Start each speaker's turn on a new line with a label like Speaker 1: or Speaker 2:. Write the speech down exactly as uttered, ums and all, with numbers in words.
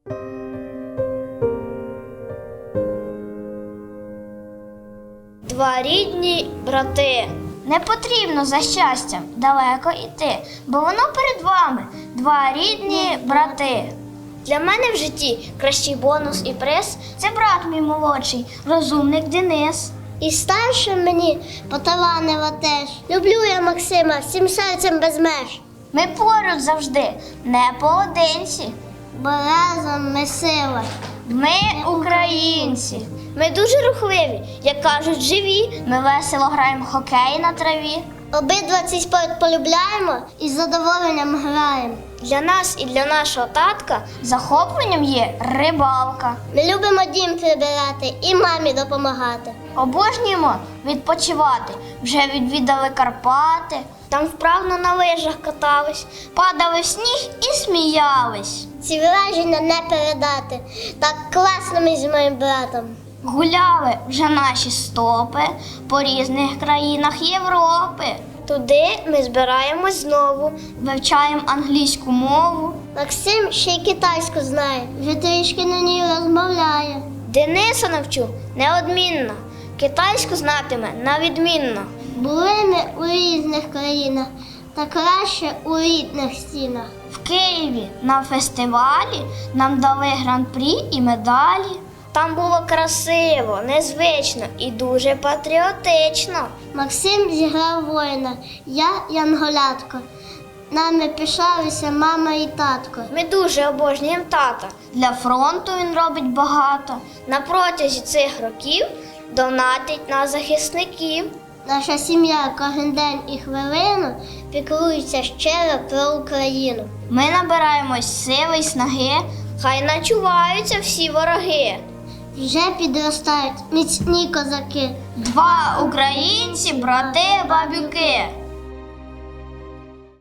Speaker 1: Два рідні брати.
Speaker 2: Не потрібно за щастям далеко йти, бо воно перед вами. Два рідні брати.
Speaker 1: Для мене в житті кращий бонус і приз.
Speaker 2: Це брат мій молодший, розумник Денис.
Speaker 3: І старше мені поталанила теж. Люблю я Максима всім серцем без меж.
Speaker 2: Ми поруч завжди, не поодинці.
Speaker 3: Бо разом ми сила.
Speaker 2: Ми українці.
Speaker 1: Ми дуже рухливі, як кажуть, живі.
Speaker 2: Ми весело граємо в хокей на траві.
Speaker 3: Обидва цей спорт полюбляємо і з задоволенням граємо.
Speaker 1: Для нас і для нашого татка
Speaker 2: Захопленням є рибалка.
Speaker 3: Ми любимо дім прибирати і мамі допомагати.
Speaker 2: Обожнюємо відпочивати. Вже відвідали Карпати,
Speaker 1: там вправно на лижах катались.
Speaker 2: падали в сніг і сміялись.
Speaker 3: Ці враження не передати. Так класно ми з моїм братом.
Speaker 2: Гуляли вже наші стопи по різних країнах Європи.
Speaker 1: Туди ми збираємось знову.
Speaker 2: Вивчаємо англійську мову.
Speaker 3: Максим ще й китайську знає, вже трішки на ній розмовляє.
Speaker 1: Дениса навчу неодмінно. Китайську знатиме навідмінно.
Speaker 3: Були ми у різних країнах, та краще у рідних стінах.
Speaker 2: В Києві на фестивалі нам дали гран-прі і медалі.
Speaker 1: Там було красиво, незвично і дуже патріотично.
Speaker 3: Максим зіграв воїна, я янголятко. Нами пишалися мама і татко.
Speaker 1: Ми дуже обожнюємо тата.
Speaker 2: Для фронту він робить багато.
Speaker 1: На протязі цих років донатить на захисників.
Speaker 3: Наша сім'я кожен день і хвилину піклується щиро про Україну.
Speaker 2: Ми набираємось сили й снаги.
Speaker 1: Хай начуваються всі вороги.
Speaker 3: Вже підростають міцні козаки.
Speaker 2: Два українці, брати, бабюки.